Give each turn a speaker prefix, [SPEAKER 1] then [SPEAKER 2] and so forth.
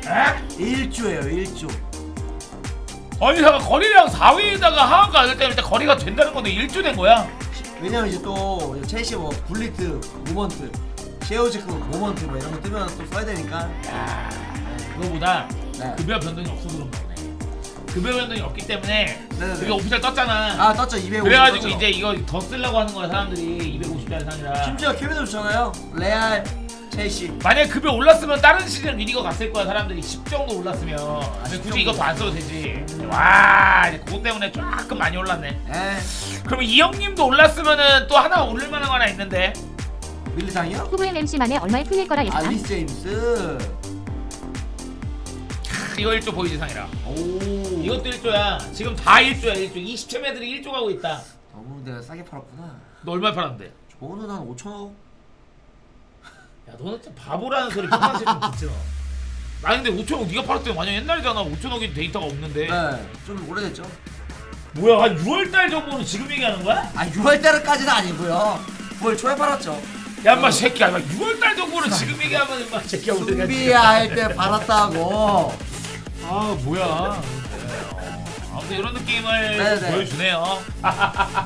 [SPEAKER 1] 에?
[SPEAKER 2] 1조예요 1조.
[SPEAKER 1] 아니 잠깐 거리랑 4위에다가 하한가 안 될 때는 일단 거리가 된다는 건데 1조 된 거야?
[SPEAKER 2] 왜냐면 이제 또 첼시 뭐 굴리트 모먼트 셰어즈크 모먼트 뭐 이런 거 뜨면 또 써야 되니까.
[SPEAKER 1] 야 그거보다
[SPEAKER 2] 네.
[SPEAKER 1] 급여 변동이 없어서 그런 거네. 급여 변동이 없기 때문에
[SPEAKER 2] 네네네.
[SPEAKER 1] 그게 오피셜 떴잖아.
[SPEAKER 2] 아 떴죠 250.
[SPEAKER 1] 그래가지고
[SPEAKER 2] 떴죠.
[SPEAKER 1] 이제 이거 더 쓰려고 하는 거야 사람들이 250짜리 사느라.
[SPEAKER 2] 심지어 케빈도 좋잖아요. 레알 첼시.
[SPEAKER 1] 만약에 급여 올랐으면 다른 시즌 리니거 갔을 거야 사람들이 10 정도 올랐으면. 근데
[SPEAKER 2] 10
[SPEAKER 1] 굳이 이거
[SPEAKER 2] 정도.
[SPEAKER 1] 더 안 써도 되지. 와 이제 그것 때문에 조금 많이 올랐네.
[SPEAKER 2] 에
[SPEAKER 1] 그러면 이 형님도 올랐으면은 또 하나 오를 만한 거 하나 있는데.
[SPEAKER 2] 밀리상이요?
[SPEAKER 3] 후보의 MC만에 얼마에 풀릴 거라 예상.
[SPEAKER 2] 알리스 제임스.
[SPEAKER 1] 이거 1조 보이지 상이라.
[SPEAKER 2] 오.
[SPEAKER 1] 이것도 1조야. 지금 다 1조야 1조. 20챔 애들이 1조 가고 있다.
[SPEAKER 2] 너무 내가 싸게 팔았구나.
[SPEAKER 1] 너 얼마 팔았는데?
[SPEAKER 2] 저는 한 5천억.
[SPEAKER 1] 야 너는 진짜 바보라는 소리 평상시에 좀 듣지 너. 나 근데 5천억 네가 팔았을 때 완전 옛날이잖아. 5천억이 데이터가 없는데.
[SPEAKER 2] 네, 좀 오래됐죠.
[SPEAKER 1] 뭐야 한 6월달 정보는 지금 얘기하는 거야?
[SPEAKER 2] 아 6월달까지는 아니고요. 9월 초에 팔았죠.
[SPEAKER 1] 야 인마 새끼야 6월달 정보는 지금 얘기하면 인마 새끼야 우리가
[SPEAKER 2] 준비할 때 팔았다고.
[SPEAKER 1] 아 뭐야 아무튼 이런 느낌을
[SPEAKER 2] 네네.
[SPEAKER 1] 보여주네요.